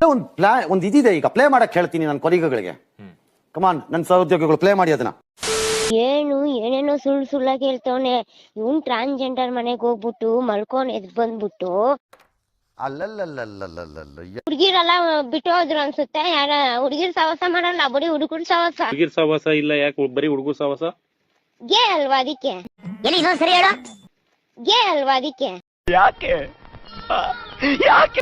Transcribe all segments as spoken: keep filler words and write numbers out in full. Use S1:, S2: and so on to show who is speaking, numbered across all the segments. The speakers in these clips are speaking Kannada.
S1: ಒಂದು ಪ್ಲಾ ಒಂದು ಇದಿದೆ, ಈಗ ಪ್ಲೇ ಮಾಡಕ್ ಹೇಳ್ತೀನಿ ನನ್ನ ಕೊಲೀಗಗಳಿಗೆ. ಕಮಾನ್ ನನ್ನ ಸಹೋದ್ಯೋಗಿಗಳು ಪ್ಲೇ ಮಾಡಿ ಅದನ್ನ.
S2: ಏನು ಏನೇನೋ ಸುಳ್ಳು ಸುಳ್ಳಾಗಿ ಹೇಳ್ತವನೆ ಇವನ್ ಟ್ರಾನ್ಸ್ಜೆಂಡರ್ ಮನೆಗ್ ಹೋಗ್ಬಿಟ್ಟು ಮಲ್ಕೊಂಡ್ ಎದ್ ಬಂದ್ಬಿಟ್ಟು
S3: ಅಲ್ಲಲ್ಲಲ್ಲಲ್ಲಲ್ಲಲ್ಲ
S2: ಹುಡ್ಗಿರೆಲ್ಲ ಬಿಟ್ಟು ಹೋದ್ರು ಅನ್ಸುತ್ತೆ. ಯಾರ ಹುಡ್ಗಿರ್ ಸವಾಸ ಮಾಡಲ್ಲ, ಬರೀ ಹುಡುಗರು ಸವಾಸ.
S4: ಹುಡುಗಿರ್ ಸವಾಸ ಇಲ್ಲ, ಯಾಕೆ ಬರೀ ಹುಡುಗರು ಸವಾಸ?
S2: ಗೇ ಅಲ್ವಾ ಅದಕ್ಕೆ?
S5: ಸರಿ ಹೇಳ.
S2: ಗೇ ಅಲ್ವಾ ಅದಕ್ಕೆ?
S3: ಯಾಕೆ ಯಾಕೆ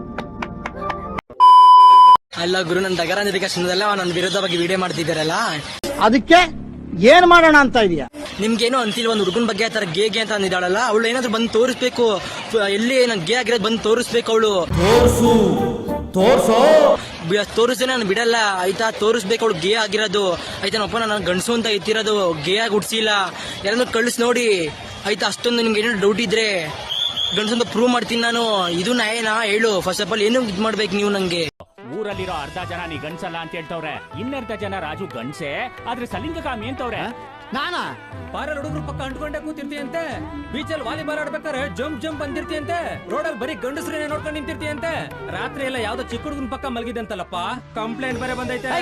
S6: ಅಲ್ಲ ಗುರು, ನನ್ ದಗರ ನಿರ್ದೇಶನದಲ್ಲ ನನ್ನ ವಿರುದ್ಧವಾಗಿ ವಿಡಿಯೋ ಮಾಡ್ತಿದ್ದಾರಲ್ಲ,
S7: ಅದಕ್ಕೆ ಏನ್ ಮಾಡೋಣ ಅಂತ ಇದೆಯಾ?
S6: ನಿಮ್ಗೇನು ಅಂತಿಲ್ಲ, ಒಂದ್ ಹುಡುಗನ ಬಗ್ಗೆ ಆತರ ಗೇ ಗೇ ಅಂತ ಅಂದಿದ್ದಾಳಲ್ಲ, ಅವಳು ಏನಾದ್ರು ಬಂದು ತೋರಿಸ್ಬೇಕು, ಎಲ್ಲಿ ನನ್ ಗೇ ಆಗಿರೋದು ಬಂದು ತೋರಿಸ್ಬೇಕು. ಅವಳು
S7: ತೋರ್ಸು ತೋರ್ಸೋ
S6: ತೋರಿಸ್ತೇ ನಾನು ಬಿಡಲ್ಲ ಆಯ್ತಾ, ತೋರಿಸ್ಬೇಕು ಅವಳು ಗೇ ಆಗಿರೋದು ಆಯ್ತಾನಪ್ಪ. ನಾನು ಗಂಡಸು ಅಂತ ಎತ್ತಿರೋದು, ಗೇ ಆಗಿ ಹುಡ್ಸಿಲ್ಲ. ಯಾರನ್ನು ಕಳಿಸ್ ನೋಡಿ ಆಯ್ತಾ. ಅಷ್ಟೊಂದು ನಿಮ್ಗೆ ಏನೋ ಡೌಟ್ ಇದ್ರೆ ಗಂಡಸು ಅಂತ ಪ್ರೂವ್ ಮಾಡ್ತೀನಿ ನಾನು. ಇದು ನಾಯೇನಾ ಹೇಳು? ಫಸ್ಟ್ ಆಫ್ ಆಲ್ ಏನು ಇದ್ ಮಾಡ್ಬೇಕು ನೀವು ನಂಗೆ?
S8: ಊರಲ್ಲಿರೋ ಅರ್ಧ ಜನ ನೀ ಗಂಡ್ಸಲ್ಲ ಅಂತ ಹೇಳ್ತವ್ರೆ, ಇನ್ನರ್ಧ ಜನ ರಾಜು ಗಂಡ್ಸೆ ಆದ್ರೆ ಸಲಿಂಗಕಾಮಿ ಅಂತವ್ರೆ.
S7: ನಾನಾ
S8: ಬಾರಲ್ಲಿ ಹುಡುಗರು ಪಕ್ಕ ಅಂಟ್ಕೊಂಡೆ ಕೂತಿರ್ತೀಯಂತೆ, ಬೀಚಲ್ಲಿ ವಾಲಿಬಾಲ್ ಆಡ್ಬೇಕಾರೆ ಜಂಪ್ ಜಂಪ್ ಬಂದಿರ್ತೀಯಂತೆ, ರೋಡಲ್ಲಿ ಬರೀ ಗಂಡಸ್ರನ್ನೇ ನೋಡ್ಕೊಂಡು ನಿಂತಿರ್ತೀಯಂತೆ, ರಾತ್ರಿ ಎಲ್ಲ ಯಾವ್ದೋ ಚಿಕ್ಕ ಹುಡುಗನ ಪಕ್ಕ ಮಲಗಿದಂತಲ್ಲಪ್ಪ, ಕಂಪ್ಲೇಂಟ್ ಬೇರೆ ಬಂದೈತೆ.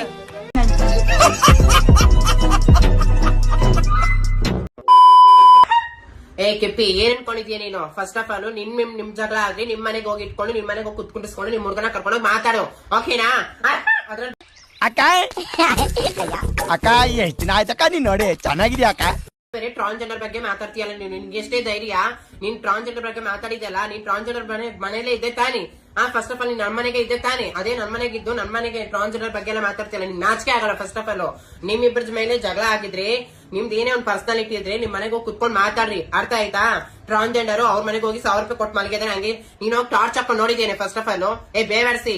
S9: ಏ ಕೆಪ್ಪಿ, ಏನ್ ಅನ್ಕೊಂಡಿದ್ಯಾ ನೀನು? ಫಸ್ಟ್ ಆಫ್ ಆಲ್ ನಿಮ್ ನಿಮ್ ನಿಮ್ ಜಗಳ ಆದ್ರೆ ನಿಮ್ ಮನೆಗೆ ಹೋಗಿ ಇಟ್ಕೊಂಡು ನಿಮ್ ಮನೆಗೆ ಹೋಗಿ ಕುತ್ಕೊಂಡಿಸ್ಕೊಂಡು ನಿಮ್ ಹುಡುಗನ ಕರ್ಕೊಂಡು ಮಾತಾಡು, ಓಕೆನಾ?
S7: ಅಕ್ಕ ಅಕ್ಕ ಎಷ್ಟ್ ದಿನ ಆಯ್ತಕ್ಕ ನೀನ್ ನೋಡಿ, ಚೆನ್ನಾಗಿದ್ಯಾ ಅಕ್ಕ?
S9: ಬೇರೆ ಟ್ರಾನ್ಸ್ಜೆಂಡರ್ ಬಗ್ಗೆ ಮಾತಾಡ್ತೀಯಲ್ಲ ನೀನು, ನಿನ್ಗೆ ಎಷ್ಟೇ ಧೈರ್ಯ? ನೀನ್ ಟ್ರಾನ್ಸ್ಜೆಂಡರ್ ಬಗ್ಗೆ ಮಾತಾಡಿದಲ್ಲ, ನೀನ್ ಟ್ರಾನ್ಸ್ಜೆಂಡರ್ ಮನೇಲೆ ಇದ್ದೆ ತಾನೆ? ಹಾ, ಫಸ್ಟ್ ಆಫ್ ಆಲ್ ನೀನ್ ನನ್ ಮನೆಗೆ ಇದ್ದೆ ತಾನೆ? ಅದೇ ನನ್ ಮನೆಗೆ ಇದ್ದು ನನ್ ಮನೆಗೆ ಟ್ರಾನ್ಸ್ಜೆಂಡರ್ ಬಗ್ಗೆ ಎಲ್ಲ ಮಾತಾಡ್ತಿಯಲ್ಲ, ನಿನ್ ನಾಚಿಕೆ ಆಗಲ್ಲ? ಫಸ್ಟ್ ಆಫ್ ಆಲ್ ನಿಮ್ಮಿಬ್ಬರ ಮೇಲೆ ಜಗಳ ಆಗಿದ್ರೆ, ನಿಮ್ದು ಏನೇ ಒಂದ್ ಪರ್ಸನಾಲಿಟಿ ಇದ್ರೆ ನಿಮ್ ಮನೆಗೆ ಹೋಗಿ ಕುತ್ಕೊಂಡ್ ಮಾತಾಡ್ರಿ, ಅರ್ಥ ಆಯ್ತಾ? ಟ್ರಾನ್ಸ್ಜೆಂಡರ್ ಅವ್ರ ಮನೆಗೆ ಹೋಗಿ ಸಾವಿರ ರೂಪಾಯಿ ಕೊಟ್ಟು ಮಲಗಿದ್ರೆ ಹಂಗೆ ನೀನ್ ಹೋಗಿ ಟಾರ್ಚ್ ಹಾಕೊಂಡು ನೋಡಿದ್ದೇನೆ ಫಸ್ಟ್ ಆಫ್ ಆಲ್. ಏ ಬೇವರ್ಸಿ,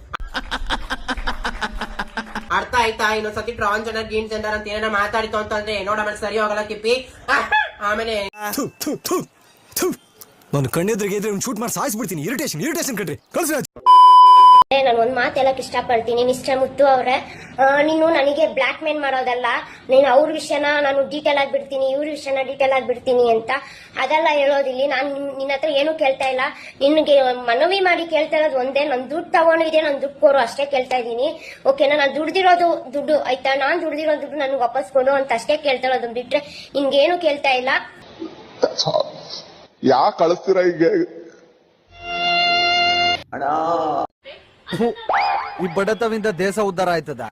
S9: ಅರ್ಥ ಆಯ್ತಾ? ಇನ್ನೊಂದ್ಸತಿ ಟ್ರಾನ್ಸ್ಜೆಂಡರ್ ಗೀನ್ ಜೆಂಡರ್ ಅಂತ ಏನಾರ ಮಾತಾಡಿತು ಅಂತಂದ್ರೆ ನೋಡ ಆಮೇಲೆ ಸರಿ ಹೋಗಲ್ಲ ಕಿಪ್ಪಿ. ಆಮೇಲೆ
S6: ನಾನು ಕಣ್ಣೆದ್ರಿಗೆ ಇದ್ರೆ ಶೂಟ್ ಮಾಡಿ ಸಾಯಿಸ್ಬಿಡ್ತೀನಿ. ಇರಿಟೇಷನ್ ಇರಿಟೇಷನ್ ಕಣ್ರಿ, ಕಳ್ಸಿ.
S2: ನಾನು ಒಂದ್ ಮಾತು ಹೇಳಕ್ ಇಷ್ಟಪಡ್ತೀನಿ ಮಿಸ್ಟರ್ ಮುತ್ತು ಅವ್ರೆ, ನೀನು ನನಗೆ ಬ್ಲಾಕ್ ಮೇಲ್ ಮಾಡೋದಲ್ಲ, ನೀನು ಅವ್ರ ವಿಷಯನ ನಾನು ಡೀಟೇಲ್ ಆಗಿ ಬಿಡ್ತೀನಿ, ಇವ್ರ ವಿಷಯನ ಡೀಟೇಲ್ ಆಗಿ ಬಿಡ್ತೀನಿ ಅಂತ ಅದೆಲ್ಲ ಹೇಳೋದಿಲ್ಲ. ನಾನು ನಿನ್ನ ಹತ್ರ ಏನು ಕೇಳ್ತಾ ಇಲ್ಲ, ನಿನ್ಗೆ ಮನವಿ ಮಾಡಿ ಕೇಳ್ತಾ ಇರೋದು ಒಂದೇ, ನನ್ ದುಡ್ಡು ತಗೊಂಡಿದೆ, ನನ್ ದುಡ್ಡು ಕೊಡು ಅಷ್ಟೇ ಕೇಳ್ತಾ ಇದೀನಿ, ಓಕೆನಾ? ನಾನು ದುಡ್ದಿರೋದು ದುಡ್ಡು ಆಯ್ತಾ, ನಾನ್ ದುಡ್ದಿರೋ ದುಡ್ಡು ನನ್ಗೆ ವಾಪಸ್ ಕೊಡು ಅಂತ ಅಷ್ಟೇ ಕೇಳ್ತಾ ಇರೋದು ಬಿಟ್ರೆ ನಿನ್ಗೇನು ಕೇಳ್ತಾ ಇಲ್ಲ.
S10: ಯಾಕೆ ಕಳಿಸ್ತೀರ ಈಗ?
S7: ಈ ಬಡತವಿಂದ ದೇಶ ಉದ್ಧಾರ ಆಯ್ತದ?